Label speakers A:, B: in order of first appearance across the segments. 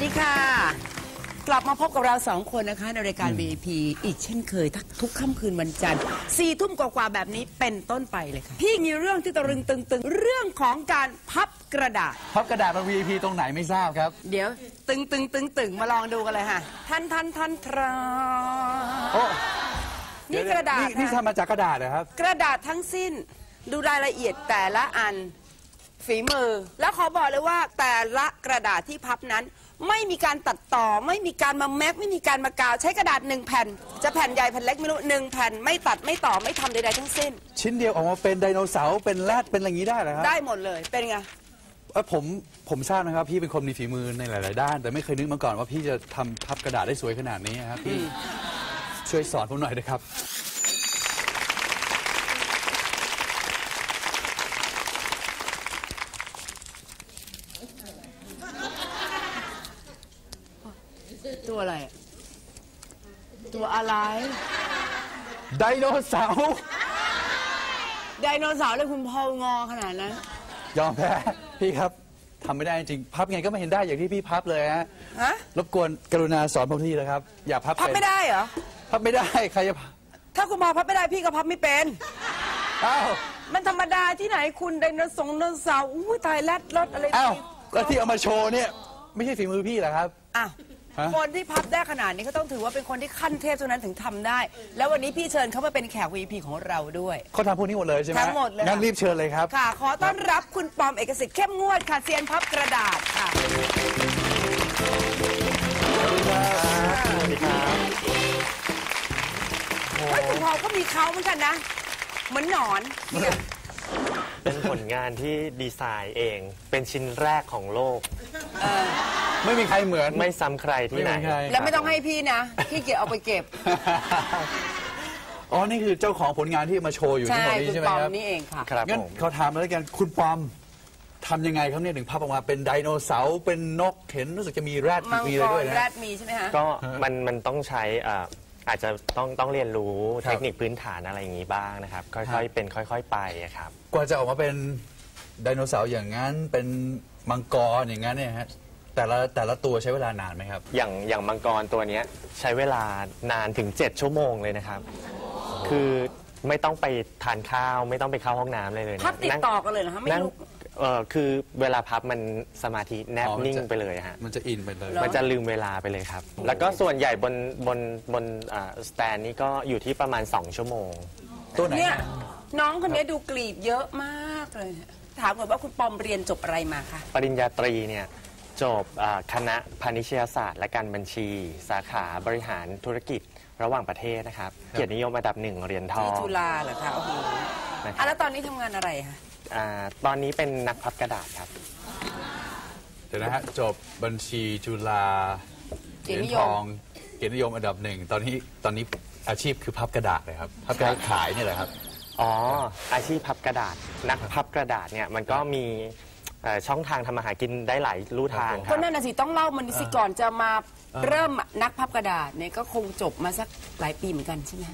A: ดีค่ะกลับมาพบกับเรา2 คนนะคะในรายการ VIP อีกเช่นเคยทุกค่ำคืนวันจันทร์4 ทุ่มกว่าแบบนี้เป็นต้นไปเลยค่ะพี่มีเรื่องที่ตะลึงตึงเรื่องของการพับกระดาษ
B: พับกระดาษมา VIP ตรงไหนไม่ทราบครับ
A: เดี๋ยวตึงมาลองดูกันเลยค่ะท่านทรา
B: โอ้
A: นี่กระดาษ
B: นี่ทำมาจากกระดาษนะครับ
A: กระดาษทั้งสิ้นดูรายละเอียดแต่ละอันฝีมือแล้วขอบอกเลยว่าแต่ละกระดาษที่พับนั้นไม่มีการตัดต่อไม่มีการมาแม็กไม่มีการมากาวใช้กระดาษ1 แผ่นจะแผ่นใหญ่แผ่นเล็กไม่รู้1 แผ่นไม่ตัดไม่ต่อไม่ทำใดๆทั้งสิ้น
B: ชิ้นเดียวออกมาเป็นไดโนเสาร์เป็นแรดเป็นอะไรอย่างนี้ได้เหรอครับ
A: ได้หมดเลยเป็นไง
B: ผมทราบนะครับพี่เป็นคนมีฝีมือในหลายๆด้านแต่ไม่เคยนึกมาก่อนว่าพี่จะทำพับกระดาษได้สวยขนาดนี้ครับพี่ช่วยสอนผมหน่อยนะครับ
A: ตัวอะไรตัวอะไร
B: ไดโนเสาร์
A: เลยคุณพ่องอขนาดนั้น
B: ยอมแพ้พี่ครับทำไม่ได้จริงพับไงก็ไม่เห็นได้อย่างที่พี่พับเลยฮะรบกวนกรุณาสอนผมทีนะครับอย่าพับ
A: ไม่ได้เหรอ
B: พับไม่ได้ใครจะ
A: ถ้าคุณพ่อพับไม่ได้พี่ก็พับไม่เป็น
B: อ้าว
A: มันธรรมดาที่ไหนคุณไดโนเสาร์อุ้ยตายแรดรถอะไร
B: อ้าวแล้วที่เอามาโชว์เนี่ยไม่ใช่ฝีมือพี่เหรอครับ
A: อ้าวคนที่พับได้ขนาดนี้ก็ต้องถือว่าเป็นคนที่ขั้นเทพเท่านั้นถึงทำได้แล้ววันนี้พี่เชิญเขามาเป็นแขก VIP ของเราด้วย
B: เขาทำพวกนี้หมดเลยใช่ไหม
A: ทั้งหมดเลย
B: งั้นรีบเชิญเลยครับ
A: ค่ะขอต้อนรับคุณปอมเอกสิทธิ์เข้มงวดค่ะเซียนพับกระดาษค่ะ
B: สวัสดีครับ
A: คุณพอก็มีเขาเหมือนกันนะเหมือนหนอน
C: เป็นผลงานที่ดีไซน์เองเป็นชิ้นแรกของโลก
B: ไม่มีใครเหมือน
C: ไม่ซ้ำใครที่ไหน
A: แล้วไม่ต้องให้พี่นะพี่เก็บเอาไปเก็บ
B: อ๋อนี่คือเจ้าของผลงานที่มาโชว์อยู่ที่ตรงนี้ใช่ไหมครับ
A: นี่เองค่ะ
B: งั้นเขาถามมาแล้วกันคุณปอมทำยังไงครับเนี่ยถึงพับออกมาเป็นไดโนเสาร์เป็นนกเห็นรู้สึกจะมีแรดมีอะไรด้วยนะ
A: แรดมีใช่ไหมฮะ
C: ก็มันต้องใช้อาจจะต้องเรียนรู้เทคนิคพื้นฐานอะไรอย่างนี้บ้างนะครับค่อยๆเป็นค่อยๆไปครับ
B: กว่าจะออกมาเป็นไดโนเสาร์อย่างนั้นเป็นมังกรอย่างนั้นเนี่ยฮะแต่ละตัวใช้เวลานานไหมครับ
C: อย่างมังกรตัวนี้ใช้เวลานานถึง7 ชั่วโมงเลยนะครับคือไม่ต้องไปทานข้าวไม่ต้องไปเข้าห้องน้ำเลย
A: พับติดต่อกันเลยเหรอคะไม่ลุก
C: คือเวลาพับมันสมาธิแนบนิ่งไปเลยฮะ
B: มันจะอินไปเลย
C: มันจะลืมเวลาไปเลยครับแล้วก็ส่วนใหญ่บนสแตนนี้ก็อยู่ที่ประมาณ2 ชั่วโมง
B: ตัวไหน
A: เนี่ยน้องคนนี้ดูกรีบเยอะมากเลยถามก่อนว่าคุณปอมเรียนจบอะไรมาคะ
C: ปริญญาตรีเนี่ยจบคณะพาณิชยศาสตร์และการบัญชีสาขาบริหารธุรกิจระหว่างประเทศนะครับเกียรตินิยมอันดับ1เหรียญทอง
A: ที่จุฬาเหรอคะโอ้โหแล้วตอนนี้ทำงานอะไรคะ
C: ตอนนี้เป็นนักพับกระดาษครับ
B: เดี๋ยวนะฮะจบบัญชีจุฬาเหรียญทองเกียรตินิยมอันดับ1ตอนนี้อาชีพคือพับกระดาษเลยครับพับกระดาษขายนี่แหละครับ
C: อ๋ออาชีพพับกระดาษนักพับกระดาษเนี่ยมันก็มีช่องทางทำมาหากินได้หลายลู่ทางครับ
A: ก็นั่นน่ะสิต้องเล่ามันสิก่อนจะมาเริ่มนักพับกระดาษเนี่ยก็คงจบมาสักหลายปีเหมือนกันใช่ไหม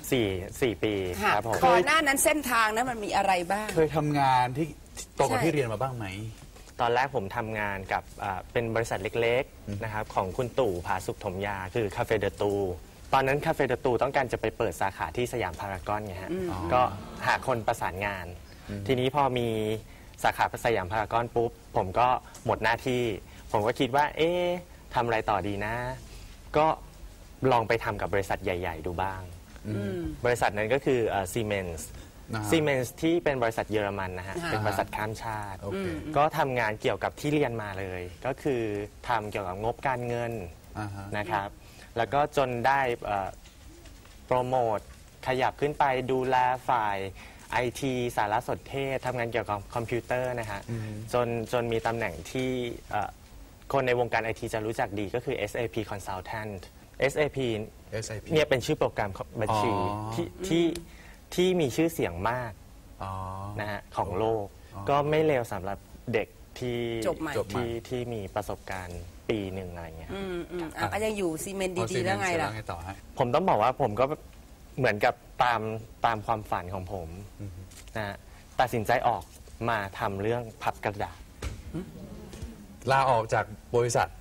C: 4 ปีครับผม
A: ก่อนหน้านั้นเส้นทางนั้นมันมีอะไรบ้าง
B: เคยทำงานที่ตรงกับที่เรียนมาบ้างไหม
C: ตอนแรกผมทำงานกับเป็นบริษัทเล็กๆนะครับของคุณตู่ผาสุขถมยาคือคาเฟ่เดอตูตอนนั้นคาเฟ่เดอตูต้องการจะไปเปิดสาขาที่สยามพารากอนไงฮะก็หาคนประสานงานทีนี้พอมีสาขาสยามพารากอนปุ๊บผมก็หมดหน้าที่ผมก็คิดว่าทำอะไรต่อดีนะก็ลองไปทำกับบริษัทใหญ่ๆดูบ้างบริษัทนั้นก็คือซีเมนส์ที่เป็นบริษัทเยอรมันนะฮะเป็นบริษัทข้ามชาติก็ทำงานเกี่ยวกับที่เรียนมาเลยก็คือทำเกี่ยวกับงบการเงินนะครับแล้วก็จนได้โปรโมทขยับขึ้นไปดูแลฝ่ายIT สารสนเทศทำงานเกี่ยวกับคอมพิวเตอร์นะฮะจนมีตำแหน่งที่คนในวงการ IT จะรู้จักดีก็คือ SAP Consultant SAP เนี่ยเป็นชื่อโปรแกรมบัญชีที่มีชื่อเสียงมากนะฮะของโลกก็ไม่เลวสำหรับเด็กที่มีประสบการณ์ปีหนึ่งอะไรเงี้ย
A: ยังอยู่ซีเมนต์ดีๆแล้วไงล่ะ
C: ผมต้องบอกว่าผมก็เหมือนกับตามความฝันของผมนะตัดสินใจออกมาทำเรื่องพับกระดาษ
B: ลาออกจากบริษัท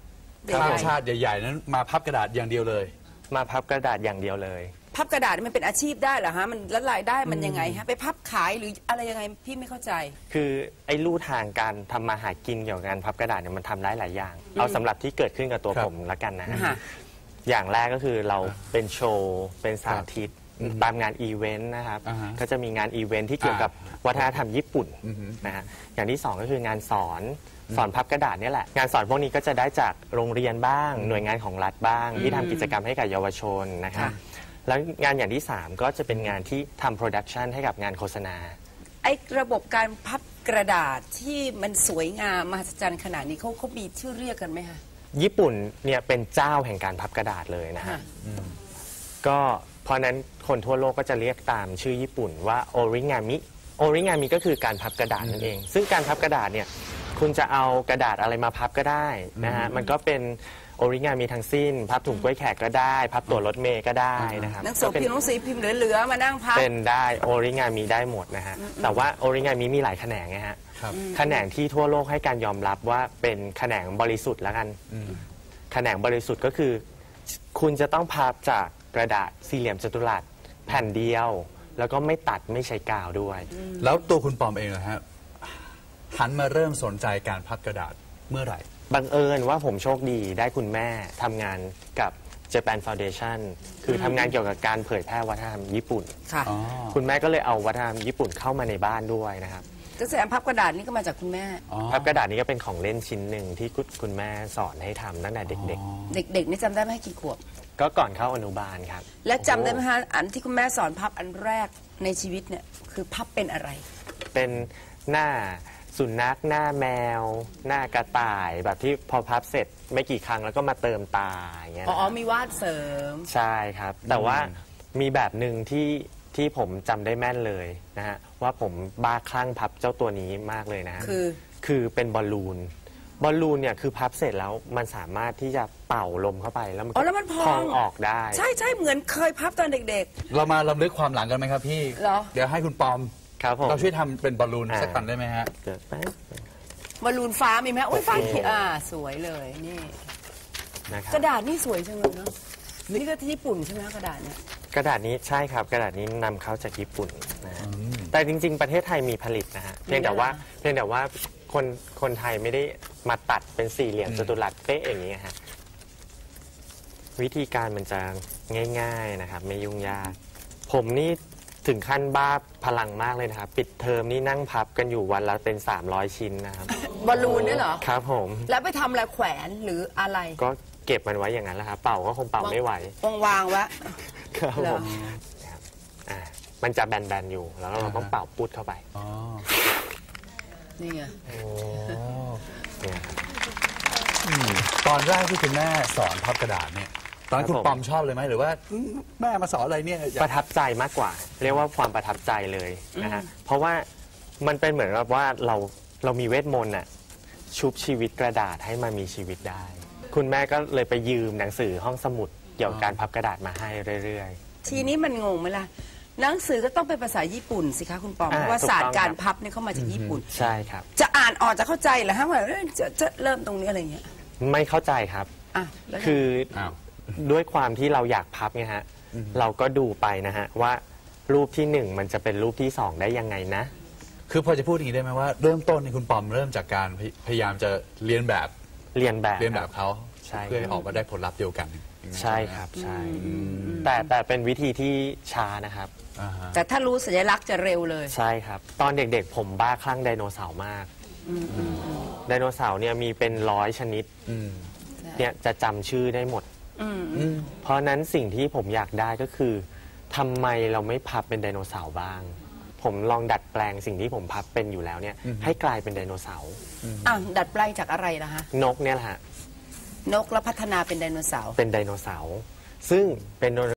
B: ข้ามชาติใหญ่ๆนั้นมาพับกระดาษอย่างเดียวเลย
C: มาพับกระดาษอย่างเดียวเลย
A: พับกระดาษมันเป็นอาชีพได้เหรอฮะมันแล้วรายได้มันยังไงฮะไปพับขายหรืออะไรยังไงพี่ไม่เข้าใจ
C: คือไอ้ลู่ทางการทำมาหากินเกี่ยวกับการพับกระดาษเนี่ยมันทำได้หลายอย่าง เอาสำหรับที่เกิดขึ้นกับตัว
B: ครับ
C: ผมละกันนะฮะ
A: ค่ะ
C: อย่างแรกก็คือเราเป็นโชว์เป็นสาธิตตามงานอีเวนต์นะครับ
B: อ่าฮะ
C: ก็จะมีงานอีเวนต์ที่เกี่ยวกับวัฒนธรรมญี่ปุ่น
B: อือฮึ
C: นะฮะอย่างที่สองก็คืองานสอนพับกระดาษเนี่ยแหละงานสอนพวกนี้ก็จะได้จากโรงเรียนบ้าง หน่วยงานของรัฐบ้าง ที่ทำกิจกรรมให้กับเยาวชนนะครับ
A: ค่ะ
C: แล้วงานอย่างที่สามก็จะเป็นงานที่ทำโปรดักชันให้กับงานโฆษณา
A: ไอ้ระบบการพับกระดาษที่มันสวยงามมหัศจรรย์ขนาดนี้เขามีชื่อเรียกกันไหมคะ
C: ญี่ปุ่นเนี่ยเป็นเจ้าแห่งการพับกระดาษเลยนะฮะ
A: ค่ะ
C: ก็เพราะนั้นคนทั่วโลกก็จะเรียกตามชื่อญี่ปุ่นว่าโอริงามิโอริงามิก็คือการพับกระดาษนั่นเอง ซึ่งการพับกระดาษเนี่ยคุณจะเอากระดาษอะไรมาพับก็ได้นะฮะมันก็เป็นโอริงามิทั้งสิ้น พับถุงกล้วยแขกก็ได้ พับตั๋วรถเมล์ก็ได้นะครับ
A: หนังสือพิมพ์หนังสือพิมพ์เหลือๆมานั่งพับ
C: เป็นได้โอริงามิได้หมดนะฮะแต่ว่าโอริงามิมีหลายแขนงไงฮะ
B: ครับ
C: แขนงที่ทั่วโลกให้การยอมรับว่าเป็นแขนงบริสุทธิ์แล้วกันแขนงบริสุทธิ์ก็คือ คุณจะต้องพับจากกระดาษสี่เหลี่ยมจัตุรัสแผ่นเดียว แล้วก็ไม่ตัดไม่ใช้กาวด้วย
B: แล้วตัวคุณปอมเองนะฮะหันมาเริ่มสนใจการพับกระดาษเมื่อไหร่
C: บังเอิญว่าผมโชคดีได้คุณแม่ทำงานกับ Japan Foundation คือทำงานเกี่ยวกับการเผยแพร่วัฒนธรรมญี่ปุ่น
A: ค่ะ
B: อ๋อ
C: คุณแม่ก็เลยเอาวัฒนธรรมญี่ปุ่นเข้ามาในบ้านด้วยนะครับ
A: ก็แสดงพับกระดาษนี่ก็มาจากคุณแม่
B: อ๋อ
C: พับกระดาษนี้ก็เป็นของเล่นชิ้นหนึ่งที่คุณแม่สอนให้ทำตั้งแต่เด็ก
A: เด็กๆนี่จำได้ไหมกี่ขวบ
C: ๆ ก็ก่อนเข้าอนุบาลครับ
A: และจำได้ไหมคะอันที่คุณแม่สอนพับอันแรกในชีวิตเนี่ยคือพับเป็นอะไร
C: เป็นหน้าสุนัขหน้าแมว หน้ากระต่ายแบบที่พอพับเสร็จไม่กี่ครั้งแล้วก็มาเติมตาอย่างเงี้ย
A: อ๋
C: นะ
A: อ มีวาดเสริม
C: ใช่ครับ แต่ว่ามีแบบหนึ่งที่ผมจำได้แม่นเลยนะฮะว่าผมบ้าคลั่งพับเจ้าตัวนี้มากเลยนะฮะ คือเป็นบอลลูนเนี่ยคือพับเสร็จแล้วมันสามารถที่จะเป่าลมเข้าไปแล้วมัน
A: อ๋อแล้วมันพอง
C: ออกได้
A: ใช่ใช่เหมือนเคยพับตอนเด็ก
B: เรามาลำลึกความหลังกันไหมครับพี่
A: เหรอ
B: เดี๋ยวให้คุณปอม
C: ครับผม
B: เราช่วยทำเป็นบอลลูนสักอันได้ไหมฮะ
C: เดี๋ยวแป๊บ
A: ๆบอลลูนฟ้ามีไหมโอ้ยฟ้าเขียวสวยเลยนี่
C: นะครับ
A: กระดาษนี่สวยจังเลยเนาะนี่ก็ที่ญี่ปุ่นใช่ไหมกระดาษเนี่ย
C: กระดาษนี้ใช่ครับกระดาษนี้นำเข้าจากญี่ปุ่นนะฮะแต่จริง ๆ ประเทศไทยมีผลิตนะฮะเพียงแต่ว่าคนไทยไม่ได้มาตัดเป็นสี่เหลี่ยมจัตุรัสเป๊ะอย่างนี้ฮะวิธีการมันจะง่ายๆนะครับไม่ยุ่งยากผมนี่ถึงขั้นบ้าพลังมากเลยนะครับปิดเทอมนี่นั่งพับกันอยู่วันละเป็น300 ชิ้นนะครับ
A: บอลลูนเนี่ยเหรอ
C: ครับผม
A: แล้วไปทำอะไรแขวนหรืออะไร
C: ก็เก็บมันไว้อย่างนั้นแหละครับเป่าก็คงเป่าไม่ไหว
A: วางๆไว้
C: ครับ
A: เหร
C: ผ
A: อ
C: มนะครับมันจะแบนๆอยู่แล้วเราต้องเป่าปุดเข้าไป
B: อ๋อ
A: นี่ไง
C: เนี่ยครับ
B: ตอนแรกที่คุณแม่สอนพับกระดาษเนี่ยตอนนั้น
C: ครับ
B: คุณปอมชอบเลยไหมหรือว่าแม่มาสอนอะไรเนี่ยอยาก
C: ประทับใจมากกว่า เรียกว่าความประทับใจเลยนะฮะเพราะว่ามันเป็นเหมือนกับว่าเรามีเวทมนต์น่ะชุบชีวิตกระดาษให้มันมีชีวิตได้ คุณแม่ก็เลยไปยืมหนังสือห้องสมุดเกี่ยวกับการพับกระดาษมาให้เรื่อย
A: ทีนี้มันงงไหมล่ะหนังสือก็ต้องเป็นภาษาญี่ปุ่นสิคะคุณปอมเพราะว่า
C: ถูก
A: ศา
C: ต้
A: ส
C: อง
A: ตร์การ
C: ครับ
A: พับเนี่ยเข้ามาจากญี่ปุ่น
C: ๆ ใช่ครับ
A: จะอ่านออกจะเข้าใจเหรอฮะว่าจะเริ่มตรงนี้อะไรเงี้ย
C: ไม่เข้าใจครับ
A: อ่ะแล้วไง
C: คือ
B: อ้าว
C: ด้วยความที่เราอยากพับไงฮะเราก็ดูไปนะฮะว่ารูปที่ 1 มันจะเป็นรูปที่ 2 ได้ยังไงนะ
B: คือพอจะพูดอย่างนี้ได้ไหมว่าเริ่มต้นในคุณปอมเริ่มจากการพยายามจะเรียนแบบ
C: เรียนแบบ
B: เขา
C: ใช่
B: เพื่อให้ออกมาได้ผลลัพธ์เดียวกัน
C: ใช่ครับใช่แต่เป็นวิธีที่ช้านะครับ
B: อ่าฮะ
A: แต่ถ้ารู้สัญลักษณ์จะเร็วเลย
C: ใช่ครับ ตอนเด็กๆ ผมบ้าคลั่งไดโนเสาร์มากไดโนเสาร์เนี่ยมีเป็น100 ชนิด
B: อืม
C: เนี่ยจะจำชื่อได้หมด เพราะนั้นสิ่งที่ผมอยากได้ก็คือทำไมเราไม่พับเป็นไดโนเสาร์บ้าง ผมลองดัดแปลงสิ่งที่ผมพับเป็นอยู่แล้วเนี่ยให้กลายเป็นไดโนเสาร์
A: ดัดแปลงจากอะไรล่ะฮะ
C: นกเนี่ยแหละฮะ
A: นกแล้วพัฒนาเป็นไดโนเสาร์
C: เป็นไดโนเสาร์ซึ่งเป็น